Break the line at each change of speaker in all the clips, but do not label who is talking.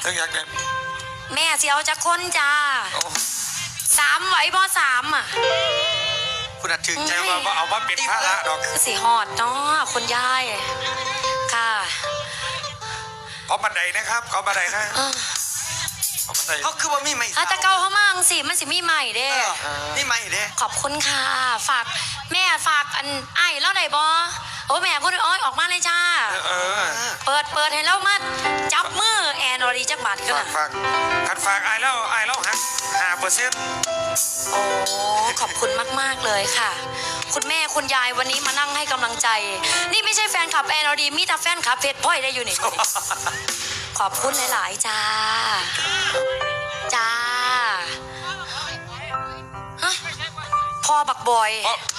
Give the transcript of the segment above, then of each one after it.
ตั้งอยากได้
แม่เสียวจะคนจ้า3ไหวบ่3อ่ะ
คุณอาจถึงใจ
ว่าเอามาเป็นภาระดอก
คือสีหอดเนาะคุณยายค่ะ
ขอบันไดนะครับขอบันไดนะขอบันได
เขาคือว่ามีใหม่
ถ้าตะเกาเขามั่งสิมันสิมีใหม่เด้
มีใหม่เด้
ขอบคุณค่ะฝากแม่ฝากอันไอ้แล้วไหนบอโอ้แม่พูดอ้อยออกมาเลยจ้าเปิดให้แล้วมาจับมือแอนอรีจักบาทกัน
ฝากคันฝากไอ้แล้วฮะ5%
โอ้ขอบคุณมากๆเลยค่ะคุณแม่คุณยายวันนี้มานั่งให้กำลังใจนี่ไม่ใช่แฟนคลับแอนอรีมีแต่แฟนคลับเพชรพ่อยได้อยู่นี่ขอบคุณหลายๆจ้าฮะพ่อบักบอย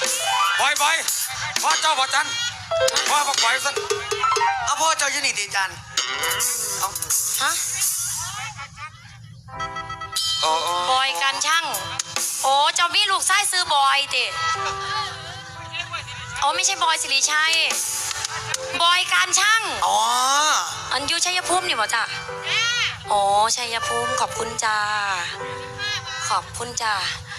พ่อเจ้าบ่จันพ่อบักบอยสัน
เอาพ่อเจ้าอยู่นี่ดิจัน
ฮะบอยการช่างโอ้เจ้ามีลูกไส้ซื้อบอยติโอ้ไม่ใช่บอยสิริชัยบอยการช่าง
อ๋อ
อันอยู่ชัยภูมินี่บ่จ้ะโอ้ชัยภูมิขอบคุณจ้าขอบคุณจ้า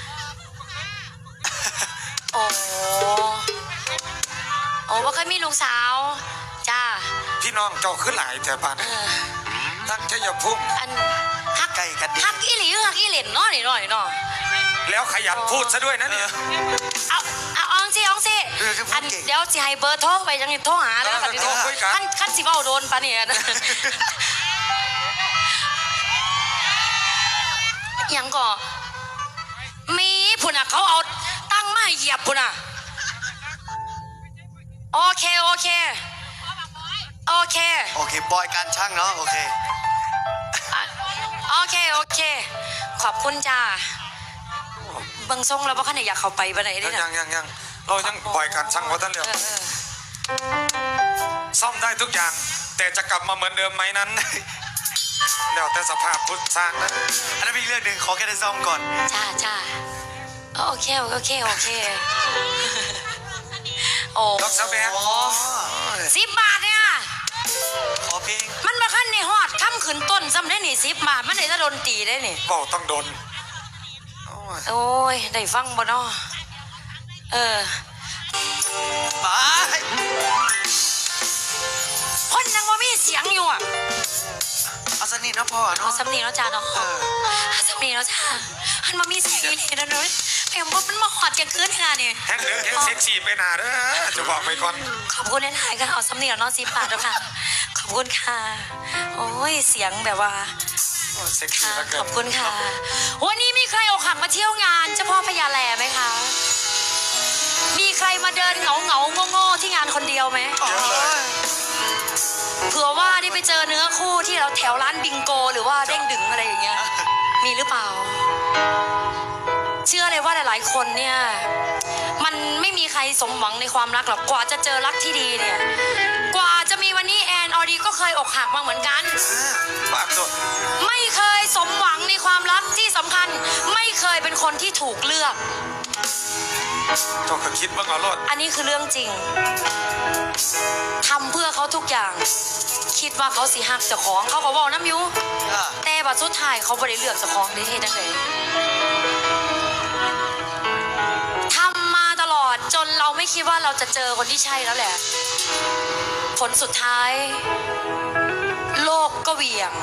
โอ้ว่าเคยมีลูกสาวจ้า
พี่น้องเจ้าขึ้นหลายแต่ปานทั้งชัยภูมิ
อันฮัก
ไก่กันดิ
ฮักอีหลีฮักอีเหล่นเนาะนี่หน่อยเนาะ
แล้วขยันพูดซะด้วยนะเนี่ย
เอาองสิอันเดี๋ยวสิให้เบอร์โทรไปยังโทรหาแล้วกันดิขั้นสิเว้าโดนปะเนี่ยยังก็มีพุ่นอ่ะเขาเอาตั้งมาเหยียบพุ่นอ่ะโอเคบ
อยการช่างเนาะโอเค
ขอบคุณจ้าเบิ่งทรงแล้วว่าขนาดอยากเข้าไปบ้านไหนได้
เนี่ยยังเรายังบอยการช่างว่าท่านเดียวซ่อมได้ทุกอย่างแต่จะกลับมาเหมือนเดิมไหมนั้นแล้วแต่สภาพพุทธสร้างนะ
อันนั้นเป็นเรื่องหนึ่งขอแค่ได้ซ่อมก่อน
จ้าโอเคโอ้
ดอกสะแบง
10 บาทเนี่ย
ขอเพลง
มันมาขั้นในฮอดค่ำขืนต้นซ้ำได้นี่10 บาทมันได้จะโดนตีได้นี่
เบาต้องโดน
โอ้ยได้ฟังบ่เนาะ
ไป
คนยังว่ามีเสียงอยู่อ่ะ
เอาสนิทเนาะพ่อเนาะ
เอาสำนีเนาะจ้าเนาะสำนีเนาะจ้ามันมามีเสียงอยู่นี่นะเนาะแม่บอกมันมาหอดกันคืนขนาดนี้
แฮงเซ็กซี่ไปหนาเด้อจะบอกไปก่อน
ขอบคุณหลายๆค่ะเอาสำเนียงน้อง10 บาทแล้วค่ะขอบคุณค่ะโอ้ยเสียงแบบว่า
เซ็กซี่แล้วกัน
ขอบคุณค่ะวันนี้มีใครอกหักมาเที่ยวงานเจ้าพ่อพญาแลไหมคะมีใครมาเดินเหงาโง่ที่งานคนเดียวไหมเผื่อว่าได้ไปเจอเนื้อคู่ที่เราแถวร้านบิงโกหรือว่าเด้งดึงอะไรอย่างเงี้ยมีหรือเปล่าเชื่อเลยว่าหลายๆคนเนี่ยมันไม่มีใครสมหวังในความรักหรอกกว่าจะเจอรักที่ดีเนี่ยกว่าจะมีวันนี้แอนออดีก็เคยอกหักมาเหมือนกันไม่เคยสมหวังในความรักที่สำคัญไม่เคยเป็นคนที่ถูกเลือก
เจ้าคิดบ้างเหรอ
อันนี้คือเรื่องจริงทำเพื่อเขาทุกอย่างคิดว่าเขาสิหักเจ้าของเขาก็บอกน้ำยูแต่บัดสุดท้ายเขาไม่ได้เลือกเจ้าของได้ทั้งเลยทำมาตลอดจนเราไม่คิดว่าเราจะเจอคนที่ใช่แล้วแหละผลสุดท้ายโลกก็เหวี่ยง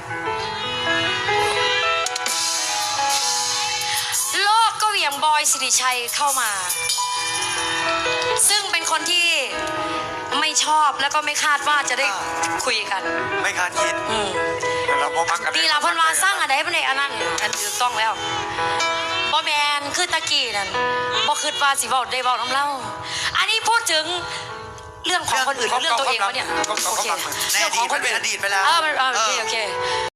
บอยสิริชัยเข้ามาซึ่งเป็นคนที่ไม่ชอบแล้วก็ไม่คาดว่าจะได้คุยกัน
ไม่คาดคิด
ดีละพันวาสร้างอะไรเป็นอันนั้นอันถูกต้องแล้วบอแมนคือตะกี้นั่นบอคือว่าสิบอกได้บอกน้ำเล่าอันนี้พูดถึงเรื่องของคนอื่นเรื่องตัวเองวะเนี่ย
โอเคเรื่องของคนอื่นอดีตไปแล้ว
โอเค